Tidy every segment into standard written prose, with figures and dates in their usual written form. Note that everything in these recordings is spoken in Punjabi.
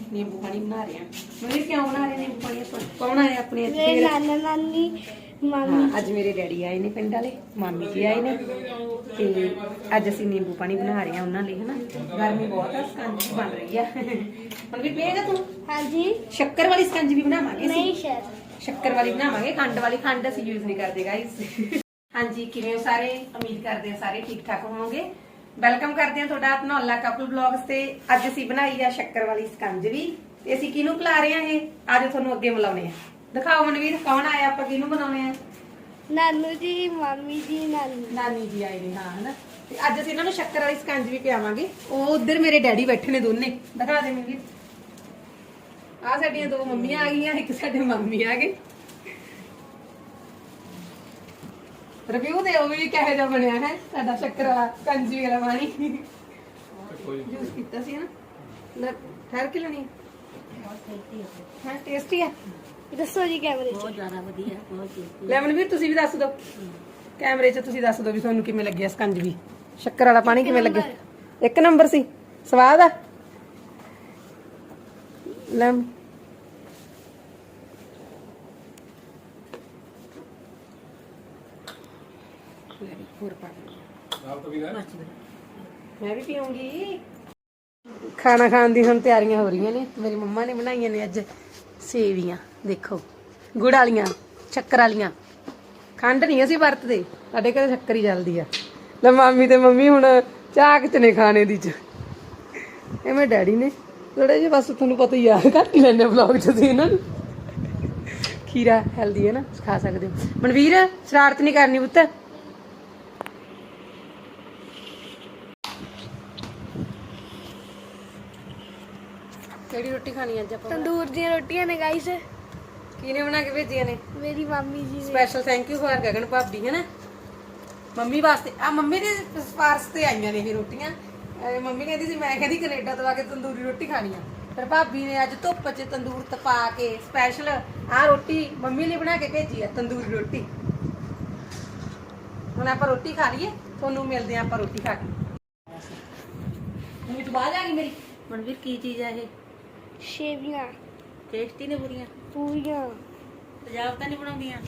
नींबू पानी बना रहे हैं। मम्मी क्यों बना रहे नींबू पानी? कौन आया अपने मेरे नाना नानी मामी। ਅੱਜ ਮੇਰੇ ਡੈਡੀ ਆਏ ਨੇ ਪਿੰਡ ਵਾਲੇ, ਮਾਮੀ ਜੀ ਆਏ ਨੇ ਤੇ ਅੱਜ ਅਸੀਂ ਨਿੰਬੂ ਪਾਣੀ ਬਣਾ ਰਹੇ ਹਾਂ ਉਹਨਾਂ ਲਈ ਹਨਾ। ਗਰਮੀ ਬਹੁਤ ਆ, ਸਕੰਜੀ ਬਣ ਰਹੀ ਆ। ਹੁਣ ਵੀ ਪੀਏਗਾ ਤੂੰ? ਹਾਂਜੀ। ਸ਼ੱਕਰ ਵਾਲੀ ਸਕੰਜੀ ਵੀ ਬਣਾਵਾਂਗੇ ਅਸੀਂ। ਨਹੀਂ ਸ਼ਾਇਦ ਸ਼ੱਕਰ ਵਾਲੀ ਬਣਾਵਾਂਗੇ, ਖੰਡ ਵਾਲੀ ਖੰਡ ਅਸੀਂ ਯੂਜ਼ ਨਹੀਂ ਕਰਦੇ ਗਾਇਸ। ਹਾਂਜੀ, ਕਿਵੇਂ ਹੋ ਸਾਰੇ? ਉਮੀਦ ਕਰਦੇ ਹਾਂ ਸਾਰੇ ਠੀਕ ਠਾਕ ਹੋਵੋਗੇ। ਵੈਲਕਮ ਕਰਦੇ ਹਾਂ ਤੁਹਾਡਾ ਧਨੌਲਾ ਕਪਲ ਬਲੌਗਸ ਤੇ। ਅੱਜ ਅਸੀਂ ਬਣਾਈ ਆ ਸ਼ੱਕਰ ਵਾਲੀ ਸਕੰਜਵੀ ਤੇ ਅਸੀਂ ਕਿਹਨੂੰ ਖਿਲਾ ਰਹੇ ਹਾਂ ਇਹ? ਅੱਜ ਤੁਹਾਨੂੰ ਅੱਗੇ ਮਿਲਾਉਣੇ ਆ। ਦਿਖਾਓ ਮਨਵੀਰ, ਕੌਣ ਆਇਆ? ਆਪਾਂ ਕਿਹਨੂੰ ਬਣਾਉਣੇ ਆ? ਨਾਨੂ ਜੀ, ਮਾਮੀ ਜੀ, ਨਾਨੀ ਜੀ ਆਏ ਨੇ ਹਾਂ ਹਨਾ। ਤੇ ਅੱਜ ਅਸੀਂ ਇਹਨਾਂ ਨੂੰ ਸ਼ੱਕਰ ਵਾਲੀ ਸਕੰਜਵੀ ਪਿਆਵਾਂਗੇ। ਉਹ ਉਧਰ ਮੇਰੇ ਡੈਡੀ ਬੈਠੇ ਨੇ ਦੋਨੇ, ਦਿਖਾ ਦੇ ਮਨਵੀਰ। ਆ ਸਾਡੀਆਂ ਦੋ ਮੰਮੀਆਂ ਆ ਗਈਆਂ, ਇੱਕ ਸਾਡੇ ਮੰਮੀ ਆ ਗਏ। ਰਿਵਿਊ ਦਿਓ ਵੀ ਕਿਹੋ ਜਿਹਾ ਬਣਿਆ ਹੈ ਸਾਡਾ ਸ਼ੱਕਰ ਵਾਲਾ ਸਕੰਜਵੀ ਵਾਲਾ ਪਾਣੀ। ਜੂਸ ਪੀਤਾ ਸੀ ਨਾ, ਠਹਿਰ ਕੇ ਲੈਣੀ ਹਾਂ। ਟੇਸਟੀ ਆ? ਦੱਸੋ ਜੀ ਕੈਮਰੇ 'ਚ। ਬਹੁਤ ਜ਼ਿਆਦਾ ਵਧੀਆ, ਬਹੁਤ ਟੇਸਟੀ। ਲੈ ਮਨਵੀਰ ਤੁਸੀਂ ਵੀ ਦੱਸ ਦਿਓ ਕੈਮਰੇ 'ਚ, ਤੁਸੀਂ ਦੱਸ ਦਿਓ ਵੀ ਤੁਹਾਨੂੰ ਕਿਵੇਂ ਲੱਗਿਆ ਸਕੰਜਵੀ, ਸ਼ੱਕਰ ਵਾਲਾ ਪਾਣੀ ਕਿਵੇਂ ਲੱਗਿਆ? ਇੱਕ ਨੰਬਰ ਸੀ, ਸਵਾਦ ਆ। ਲੈ ਹੋਰ ਪਾ ਮੈਂ ਵੀ ਪੀਉਂਗੀ। ਖਾਣਾ ਖਾਣ ਦੀ ਹੁਣ ਤਿਆਰੀਆਂ ਹੋ ਰਹੀਆਂ ਨੇ। ਮੇਰੀ ਮੰਮਾ ਨੇ ਬਣਾਈਆਂ ਨੇ ਅੱਜ ਸੇਵੀਆਂ, ਦੇਖੋ ਗੁੜ ਵਾਲੀਆਂ, ਸ਼ੱਕਰ ਵਾਲੀਆਂ। ਖੰਡ ਨਹੀਂ ਅਸੀਂ ਵਰਤਦੇ, ਸਾਡੇ ਘਰੇ ਸ਼ੱਕਰ ਹੀ ਚੱਲਦੀ ਆ। ਲੈ ਮਾਮੀ ਤੇ ਮੰਮੀ ਹੁਣ ਝਾਕ ਚ ਨੇ ਖਾਣੇ ਦੀ ਚ। ਇਹ ਮੇਰੇ ਡੈਡੀ ਨੇ ਥੋੜੇ ਜਿਹੇ, ਬਸ ਤੁਹਾਨੂੰ ਪਤਾ ਹੀ ਆ, ਘੱਟ ਹੀ ਲੈਣੇ ਵਲੌਗ ਚ ਸੀ ਇਹਨਾਂ ਨੂੰ। ਖੀਰਾ ਹੈਲਦੀ ਹੈ ਨਾ, ਖਾ ਸਕਦੇ ਹੋ। ਮਨਵੀਰ ਸ਼ਰਾਰਤ ਨਹੀਂ ਕਰਨੀ ਪੁੱਤ। ਕਿਹੜੀ ਰੋਟੀ ਖਾਣੀ ਅੱਜ ਆਪਾਂ? ਤੰਦੂਰ ਦੀਆਂ ਰੋਟੀਆਂ ਨੇ ਗਾਈਸ। ਕਿਹਨੇ ਬਣਾ ਕੇ ਭੇਜੀਆਂ ਨੇ? ਮੇਰੀ ਮਾਮੀ ਜੀ ਨੇ। Special thank you for Gagan ਭਾਬੀ ਹੈ ਨਾ, ਮੰਮੀ ਵਾਸਤੇ। ਆ ਮੰਮੀ ਦੇ ਸਪਾਰਸ਼ ਤੇ ਆਈਆਂ ਨੇ ਇਹ ਰੋਟੀਆਂ। ਮੰਮੀ ਕਹਿੰਦੀ ਸੀ ਮੈਂ ਕਹਿੰਦੀ ਕੈਨੇਡਾ ਤੋਂ ਆ ਕੇ ਤੰਦੂਰੀ ਰੋਟੀ ਖਾਣੀ ਆ, ਫਿਰ ਭਾਬੀ ਨੇ ਅੱਜ ਧੁੱਪ 'ਚ ਤੰਦੂਰ ਤਪਾ ਕੇ ਸਪੈਸ਼ਲ ਆ ਰੋਟੀ ਮੰਮੀ ਲਈ ਬਣਾ ਕੇ ਭੇਜੀ ਆ, ਤੰਦੂਰੀ ਰੋਟੀ। ਹੁਣ ਆਪਾਂ ਰੋਟੀ ਖਾ ਲਈਏ, ਤੁਹਾਨੂੰ ਮਿਲਦੇ ਆ ਆਪਾਂ ਰੋਟੀ ਖਾ ਕੇ। ਮੂੰਹ 'ਚ ਬਾਹਰ ਆ ਗਈ ਮੇਰੀ। ਮਨਵੀਰ ਕੀ ਚੀਜ਼ ਆ ਇਹ? ਸੇਵੀਆਂ ਟੇਸਟੀ ਨੇ ਬੁਰੀਆਂ? ਪੂਰੀਆਂ। ਪੰਜਾਬ ਤਾਂ ਨਹੀਂ ਬਣਾਉਂਦੀਆਂ?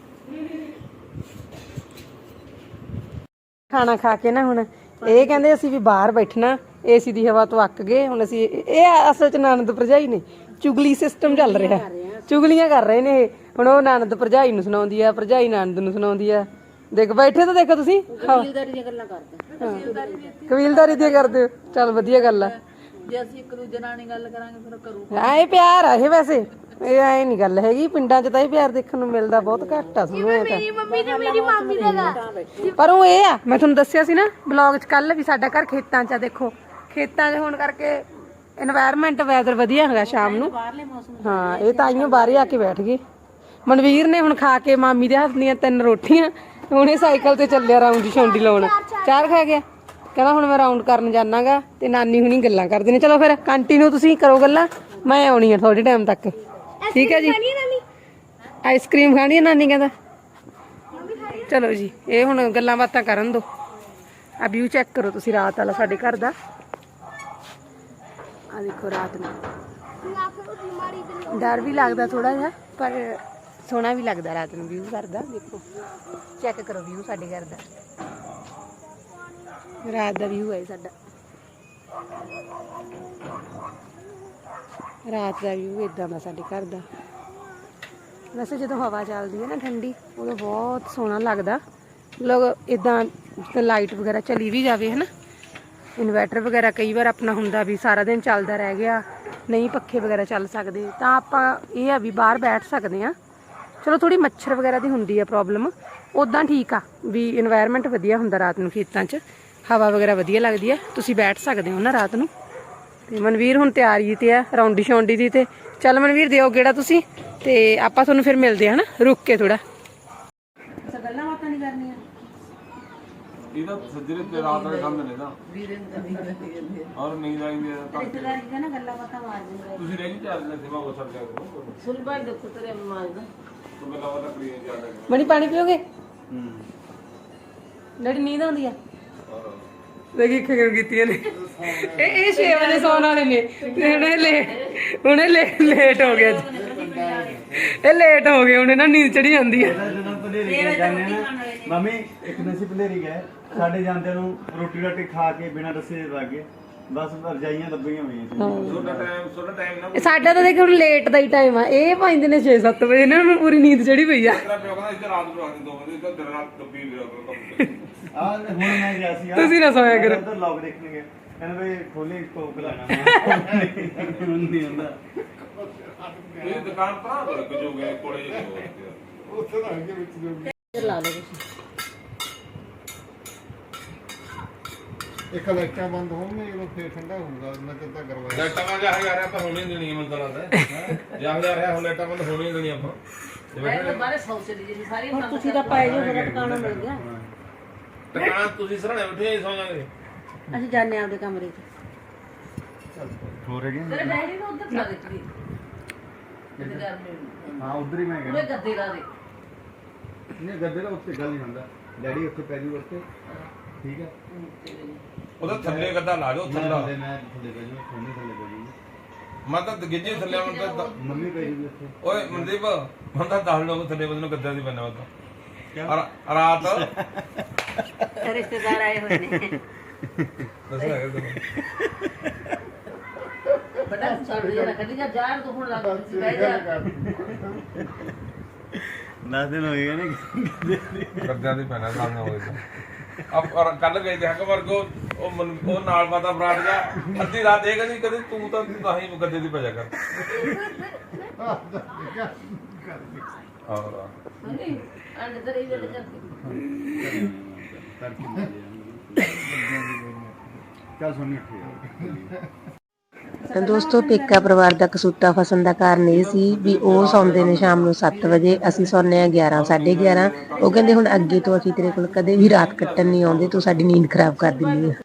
ਖਾਣਾ ਖਾ ਕੇ ਨਾ ਹੁਣ ਇਹ ਕਹਿੰਦੇ ਅਸੀਂ ਵੀ ਬਾਹਰ ਬੈਠਣਾ, ਏਸੀ ਦੀ ਹਵਾ ਤੋਂ ਅੱਕ ਗਏ। ਹੁਣ ਅਸੀਂ ਇਹ ਅਸਲ ਚ ਨਣਦ ਭਰਜਾਈ ਨੇ, ਚੁਗਲੀ ਸਿਸਟਮ ਚੱਲ ਰਿਹਾ, ਚੁਗਲੀਆਂ ਕਰ ਰਹੇ ਨੇ ਇਹ। ਹੁਣ ਉਹ ਨਣਦ ਭਰਜਾਈ ਨੂੰ ਸੁਣਾਉਂਦੀ ਆ, ਭਰਜਾਈ ਨਣਦ ਨੂੰ ਸੁਣਾਉਂਦੀ ਆ। ਦੇਖ ਬੈਠੇ ਤਾਂ ਦੇਖੋ ਤੁਸੀਂ, ਕਬੀਲਦਾਰੀ ਦੀਆਂ ਗੱਲਾਂ ਕਰਦੇ। ਕਬੀਲਦਾਰੀ ਦੀਆਂ ਕਰਦੇ ਹੋ, ਚੱਲ ਵਧੀਆ ਗੱਲ ਆ। ਜੇ ਅਸੀਂ ਇੱਕ ਦੂਜੇ ਨਾਲ ਨਹੀਂ ਗੱਲ ਕਰਾਂਗੇ ਫਿਰ ਕਰੂ ਇਹ ਪਿਆਰ ਆ ਇਹ, ਵੈਸੇ ਇਹ ਐ ਨਹੀਂ ਗੱਲ ਹੈਗੀ। ਪਿੰਡਾਂ 'ਚ ਤਾਂ ਇਹ ਪਿਆਰ ਦੇਖਣ ਨੂੰ ਮਿਲਦਾ ਬਹੁਤ ਘੱਟ ਆ ਸਾਨੂੰ। ਮੇਰੀ ਮੰਮੀ ਤੇ ਮੇਰੀ ਮਾਮੀ ਦਾ ਪਰ ਉਹ ਇਹ ਆ, ਮੈਂ ਤੁਹਾਨੂੰ ਦੱਸਿਆ ਸੀ ਨਾ ਬਲੌਗ 'ਚ ਕੱਲ ਵੀ, ਸਾਡਾ ਘਰ ਖੇਤਾਂ 'ਚ ਆ। ਦੇਖੋ ਖੇਤਾਂ 'ਚ ਹੋਣ ਕਰਕੇ এনवायरमेंट ਵੈਦਰ ਵਧੀਆ ਹੈਗਾ ਸ਼ਾਮ ਨੂੰ। ਬਾਹਰਲੇ ਮੌਸਮ। ਹਾਂ ਇਹ ਤਾਂ ਆਈਓ ਬਾਹਰ ਆ ਕੇ ਬੈਠ ਗਏ। ਮਨਵੀਰ ਨੇ ਹੁਣ ਖਾ ਕੇ ਮਾਮੀ ਦੇ ਹੱਥ ਦੀਆਂ 3 ਰੋਟੀਆਂ, ਹੁਣੇ ਸਾਈਕਲ ਤੇ ਚੱਲਿਆ ਰਾਉਂਡ ਛੌਂਡੀ ਲਾਉਣ। 4 ਖਾ ਗਿਆ, ਕਹਿੰਦਾ ਹੁਣ ਮੈਂ ਰਾਉਂਡ ਕਰਨ ਜਾਣਾਗਾ ਤੇ ਨਾਨੀ ਹੁਣੀ ਗੱਲਾਂ ਕਰਦੇ ਨੇ। ਚਲੋ ਫਿਰ ਕੰਟੀਨਿਊ ਤੁਸੀਂ ਕਰੋ ਗੱਲਾਂ, ਮੈਂ ਆਉਣੀ ਆ ਥੋੜੇ ਟਾਈਮ ਤੱਕ। ਠੀਕ ਹੈ ਜੀ। ਆਈਸਕ੍ਰੀਮ ਖਾਣੀ ਹੈ ਨਾਨੀ ਕਹਿੰਦਾ। ਚਲੋ ਜੀ, ਇਹ ਹੁਣ ਗੱਲਾਂ ਬਾਤਾਂ ਕਰਨ ਦੋ। ਆ ਵਿਊ ਚੈੱਕ ਕਰੋ ਤੁਸੀਂ ਰਾਤ ਵਾਲਾ ਸਾਡੇ ਘਰ ਦਾ। ਆ ਦੇਖੋ ਰਾਤ ਨੂੰ ਡਰ ਵੀ ਲੱਗਦਾ ਥੋੜਾ ਜਿਹਾ, ਪਰ ਸੋਹਣਾ ਵੀ ਲੱਗਦਾ ਰਾਤ ਨੂੰ ਵਿਊ ਘਰ ਦਾ। ਦੇਖੋ ਚੈੱਕ ਕਰੋ ਵਿਊ ਸਾਡੇ ਘਰ ਦਾ, ਰਾਤ ਦਾ ਵਿਊ ਹੈ ਸਾਡਾ। ਰਾਤ ਦਾ ਵਿਊ ਇਦਾਂ ਦਾ ਸਾਡੇ ਘਰ ਦਾ। ਵੈਸੇ ਜਦੋਂ ਹਵਾ ਚੱਲਦੀ ਹੈ ਨਾ ਠੰਡੀ, ਉਦੋਂ ਬਹੁਤ ਸੋਹਣਾ ਲੱਗਦਾ। ਲੋਕ ਇਦਾਂ ਲਾਈਟ ਵਗੈਰਾ ਚਲੀ ਵੀ ਜਾਵੇ ਹੈ ਨਾ, ਇਨਵਰਟਰ ਵਗੈਰਾ ਕਈ ਵਾਰ ਆਪਣਾ ਹੁੰਦਾ ਵੀ ਸਾਰਾ ਦਿਨ ਚੱਲਦਾ ਰਹਿ ਗਿਆ, ਨਹੀਂ ਪੱਖੇ ਵਗੈਰਾ ਚੱਲ ਸਕਦੇ, ਤਾਂ ਆਪਾਂ ਇਹ ਆ ਵੀ ਬਾਹਰ ਬੈਠ ਸਕਦੇ ਹਾਂ। ਚਲੋ ਥੋੜੀ ਮੱਛਰ ਵਗੈਰਾ ਦੀ ਹੁੰਦੀ ਆ ਪ੍ਰੋਬਲਮ, ਉੱਦਾਂ ਠੀਕ ਆ ਵੀ এনवायरमेंट ਵਧੀਆ ਹੁੰਦਾ ਰਾਤ ਨੂੰ ਖੇਤਾਂ 'ਚ, ਹਵਾ ਵਗੈਰਾ ਵਧੀਆ ਲੱਗਦੀ ਆ, ਤੁਸੀਂ ਬੈਠ ਸਕਦੇ ਹੋ ਨਾ ਰਾਤ ਨੂੰ। ਤੇ ਮਨਵੀਰ ਹੁਣ ਤਿਆਰੀ ਤੇ ਆ ਰੌਂਡੀ ਸ਼ੌਂਡੀ ਦੀ। ਤੇ ਚੱਲ ਮਨਵੀਰ ਦਿਓ ਗੇੜਾ ਤੁਸੀਂ, ਤੇ ਆਪਾਂ ਤੁਹਾਨੂੰ ਫਿਰ ਮਿਲਦੇ ਆ ਹਨਾ ਰੁਕ ਕੇ ਥੋੜਾ। ਗੱਲਾਂ ਬਾਤਾਂ ਨਹੀਂ ਕਰਨੀਆਂ ਇਹਦਾ ਸੱਜਰੇ ਤੇ ਰਾਤ ਨੂੰ ਖਾਂਦੇ ਨੇ ਨਾ ਔਰ ਨੀਂਦ ਆਉਂਦੀ ਹੈ ਤਾਂ ਰਿਸ਼ਤੇਦਾਰੀ ਦਾ ਨਾ ਗੱਲਾਂ ਬਾਤਾਂ ਮਾਰ ਦਿੰਦੇ। ਤੁਸੀਂ ਰਹਿ ਜੀ ਚਾਰ ਦਿਨ ਸੇਵਾ ਹੋ ਸਕਦਾ ਕਰੋ ਸੁਲਭਾ ਦੁੱਖ ਤੇਰੇ ਮਾਰਦਾ। ਤੋਂ ਮੈਂ ਲਾਵਾ ਤੱਕ ਨਹੀਂ ਜਾਂਦਾ। ਮਣੀ ਪਾਣੀ ਪੀਓਗੇ? ਡੈਡੀ ਨੀਂਦ ਆਉਂਦੀ ਆ? ਦੇਖੀ ਖਗਰ ਕੀਤੀਆਂ ਨੇ ਇਹ 6 ਵਜੇ ਸੌਣ ਵਾਲੇ ਨੇ ਤੇ ਹੁਣ ਇਹ ਉਹਨੇ ਲੇਟ ਹੋ ਗਿਆ ਜੀ। ਇਹ ਲੇਟ ਹੋ ਗਏ ਉਹਨੇ ਨਾ ਨੀਂਦ ਚੜੀ ਜਾਂਦੀ ਹੈ। ਜਦੋਂ ਭਲੇਰੀ ਗਏ ਜਾਂਦੇ ਨਾ ਮੰਮੀ ਇੱਕ ਦਿਨ ਅਸੀਂ ਭਲੇਰੀ ਗਏ ਸਾਡੇ ਜਾਂਦਿਆਂ ਨੂੰ ਰੋਟੀ ਰਾਟੀ ਖਾ ਕੇ ਬਿਨਾਂ ਦੱਸੇ ਲੱਗ ਗਏ ਬਸ ਰਜਾਈਆਂ ਲੱਭੀਆਂ ਹੋਈਆਂ ਸੀ ਤੁਹਾਡਾ ਟਾਈਮ ਨਾ ਸਾਡਾ ਤਾਂ ਦੇਖ ਹੁਣ ਲੇਟ ਦਾ ਹੀ ਟਾਈਮ ਆ। ਇਹ ਪੈਂਦੇ ਨੇ 6-7 ਵਜੇ ਇਹਨਾਂ ਨੂੰ ਪੂਰੀ ਨੀਂਦ ਚੜੀ ਪਈ ਆ। ਤੇਰਾ ਪਿਓ ਕਹਿੰਦਾ ਇੱਧਰ ਰਾਤ ਨੂੰ ਰੱਖ ਦੇ 2 ਵਜੇ ਇੱਧਰ ਰਾਤ ਦੱਬੀ ਵੀਰਾ ਆ ਹੁਣ ਮੈਂ ਗਿਆ ਸੀ ਤੁਸੀਂ ਨਾ ਸੋਇਆ ਕਰੋ। ਉਧਰ ਲੋਕ ਦੇਖਣਗੇ ਕਹਿੰਦੇ ਬਈ ਖੋਲੀ ਕੋਕ ਲਾਣਾ ਨਹੀਂ ਹੁੰਦਾ ਇਹ ਦੁਕਾਨ ਪਰਾਂ ਤੋਂ ਲੱਗ ਜੋਗੇ ਕੋਲੇ ਜੇ ਉੱਥੇ ਤਾਂ ਅੱਗੇ ਵਿੱਚ ਜੋ ਲਾ ਲਓ ਤੁਸੀਂ ਇੱਕ ਲਾਈਟਾਂ ਬੰਦ ਹੋਣਗੀਆਂ ਜਦੋਂ ਫੇਰ ਠੰਡਾ ਹੋਊਗਾ ਉਹਨਾਂ ਚਿਰ ਤਾਂ ਗਰਮਾ ਲੈਟਾਂ ਮੈਂ ਜਾ ਜਾ ਰਿਹਾ ਆਪਾਂ ਹੋਣੀ ਨਹੀਂ ਦੇਣੀ ਮੈਨੂੰ ਤਾਂ ਲੱਗਦਾ ਜਾ ਰਿਹਾ ਹੁਣ ਲੈਟਾਂ ਬੰਦ ਹੋਣੀ ਨਹੀਂ ਦੇਣੀ ਆਪਾਂ ਮੈਂ ਤਾਂ ਬਾਰੇ ਸੌ ਚਲੀ ਜੀ ਸਾਰੀ ਹੁਣ ਤੁਸੀਂ ਤਾਂ ਪੈ ਜਾਓ ਮੇਰਾ ਟਿਕਾਣਾ ਮਿਲ ਗਿਆ। ਦੁਕਾਨ ਤੁਸੀਂ ਸਰਾਣੇ ਬੈਠੇ ਸੌ ਜਾਗੇ ਅਸੀਂ ਜਾਣੇ ਆਪਦੇ ਕਮਰੇ 'ਚ। ਹੋ ਰਿਹਾ ਤੇਰੇ ਡੈਡੀ ਨੂੰ ਉੱਧਰ ਲਾ ਦਿੱਤੀ ਕਿਤੇ ਘਰ ਮੇ ਹਾਂ ਉਧਰ ਹੀ ਮੈਂ ਉਹਨੇ ਗਿਆ ਗੱਦੇ ਲਾ ਦੇ ਨਹੀਂ ਗੱਦੇ ਦਾ ਉੱਤੇ ਗੱਲ ਨਹੀਂ ਹੁੰਦਾ ਡੈਡੀ ਉੱਥੇ ਪੈ ਜੂ ਉੱਤੇ ਠੀਕ ਹੈ ਉਹਦਾ ਥੱਲੇ ਗੱਦਾ ਲਾ ਜਾਓ ਥੱਲਾ ਮੈਂ ਥੱਲੇ ਪੈ ਜੂ ਥੋੜੀ ਥੱਲੇ ਪੈ ਜੂ ਮੈਂ ਤਾਂ ਗਿੱਜੇ ਥੱਲੇ ਆਉਣ ਤਾਂ ਮੰਮੀ ਪੈ ਜੂ ਉੱਥੇ ਓਏ ਮਨਦੀਪ ਹੁਣ ਤਾਂ 10 ਲੋਕ ਥੱਲੇ ਬੰਦੇ ਨੂੰ ਗੱਦਿਆਂ ਦੀ ਪੈਣਾ ਉਹ ਤਾਂ ਰਾਤ ਰਿਸ਼ਤੇਦਾਰ ਆਏ ਹੋਏ ਨੇ। ਦੱਸਣਾ ਹੈ ਤੈਨੂੰ ਬੜਾ ਛੱਡ ਦੇ ਨਾ ਕਦੀ ਜਾ ਜਾਣ ਤੋਂ ਹੁਣ ਲੱਗ ਸੀ ਬਹਿ ਜਾ 10 ਦਿਨ ਹੋ ਗਏ ਨੇ ਗੱਦਿਆਂ ਦੀ ਪੈਣਾ ਸਾਹਮਣੇ ਹੋਏਗਾ ਆਪ ਕੱਲ ਗਏ ਤੇ ਹੱਕ ਵਰਗੋ ਉਹ ਨਾਲ ਪਤਾ ਫਰਾਟ ਗਿਆ ਅੱਧੀ ਰਾਤ ਇਹ ਕਹਿੰਦੀ ਕਦੇ ਤੂੰ ਤਾਂ ਹੀ ਗੱਦੇ ਦੀ ਪਜਾ ਕਰ ਔਰ ਨਹੀਂ ਅੰਦਰ ਹੀ ਵੇਲੇ ਜਾਂਦੇ ਚੱਲ ਸੁਣੀ ਤਾਂ ਦੋਸਤੋ ਪੇਕਾ ਪਰਿਵਾਰ ਦਾ ਕਸੂਤਾ ਫਸਣ ਦਾ ਕਾਰਨ ਇਹ ਸੀ ਵੀ ਉਹ ਸੌਂਦੇ ਨੇ ਸ਼ਾਮ ਨੂੰ 7 ਵਜੇ, ਅਸੀਂ ਸੌਂਦੇ ਆ 11 11:30। ਉਹ ਕਹਿੰਦੇ ਹੁਣ ਅੱਗੇ ਤੋਂ ਅਸੀਂ ਤੇਰੇ ਕੋਲ ਕਦੇ ਵੀ ਰਾਤ ਕੱਟਣ ਨਹੀਂ ਆਉਂਦੇ, ਤੂੰ ਸਾਡੀ ਨੀਂਦ ਖਰਾਬ ਕਰ ਦਿੰਦੀ ਆ।